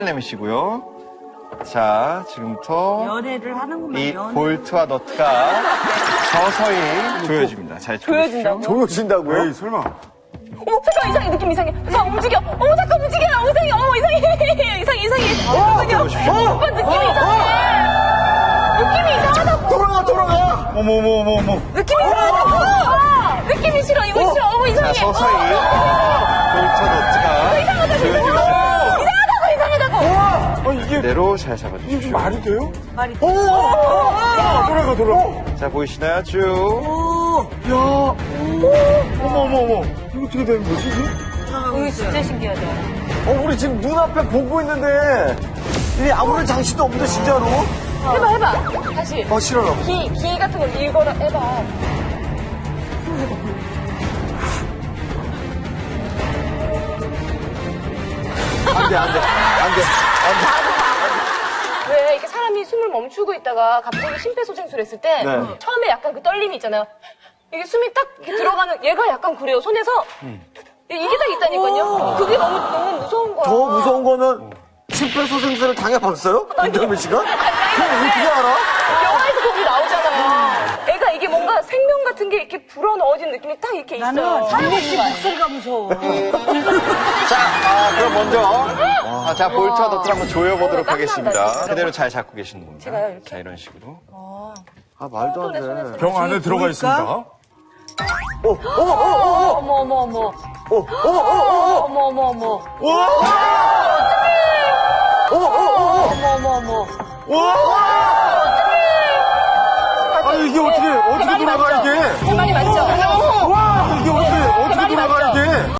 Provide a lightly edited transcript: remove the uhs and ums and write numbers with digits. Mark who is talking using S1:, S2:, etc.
S1: 내미시고요. 자, 지금부터
S2: 연애를 하는구만.
S1: 이
S2: 연애.
S1: 볼트와 너트가 서서히 조여집니다. 잘
S3: 조여진다고?
S4: 조여진다고요?
S1: 에이, 설마.
S3: 어머, 잠깐 이상해. 느낌 이상해. 잠깐 움직여. 어머, 잠깐 움직여. 이상해. 어머, 이상해. 이상해. 잠깐만요. 오빠 느낌이 이상해. 느낌이 이상하다고.
S4: 돌아가!
S1: 어머.
S3: 느낌이 이상하다고. 느낌이 싫어. 이거 싫어. 어머, 이상해.
S1: 자, 서서히 볼트와 너트가 조여지고 있습니다.
S4: 이상하다고! 이게
S1: 그대로 잘 잡아주십시오.
S4: 말이 돼요?
S2: 말이
S4: 돌아가.
S1: 자, 보이시나요? 쭉.
S4: 야, 어머. 이거 어떻게 되는 거지, 이게?
S3: 이거 진짜 신기하다.
S4: 우리 지금 눈앞에 보고 있는데, 이게 아무런 장치도 없는데, 진짜로?
S3: 해봐. 다시.
S4: 싫어요.
S3: 기 같은 거 읽어라. 해봐.
S4: 안 돼.
S3: 왜 이렇게 사람이 숨을 멈추고 있다가 갑자기 심폐소생술을 했을 때
S4: 네.
S3: 처음에 약간 그 떨림이 있잖아요. 이게 숨이 딱 이렇게 들어가는 얘가 약간 그래요. 손에서 이게 딱 있다니까요. 그게 너무 무서운 거야.
S4: 더 무서운 거는, 심폐소생술을 당해봤어요? 김정민 씨가? 그럼 어떻게 알아?
S3: 영화에서 거기 나오잖아요. 애가 이게 뭔가 생명 같은 게 이렇게 불어넣어진 느낌이 딱 이렇게 있어요.
S2: 나는 장미 씨 목소리가 무서워.
S1: 자, 그럼 먼저. 자, 볼트와 너트를 한번 조여보도록
S3: 땀난다,
S1: 하겠습니다.
S3: 진짜.
S1: 그대로 잘 잡고 계시는 겁니다.
S3: 제가요, 이렇게?
S1: 자, 이런 식으로.
S4: 말도 안 돼.
S5: 병 안에 들어가 있습니다.
S3: 어머.
S4: 아니, 이게 어떻게 돌아가, 이게?
S3: 대만이 맞죠?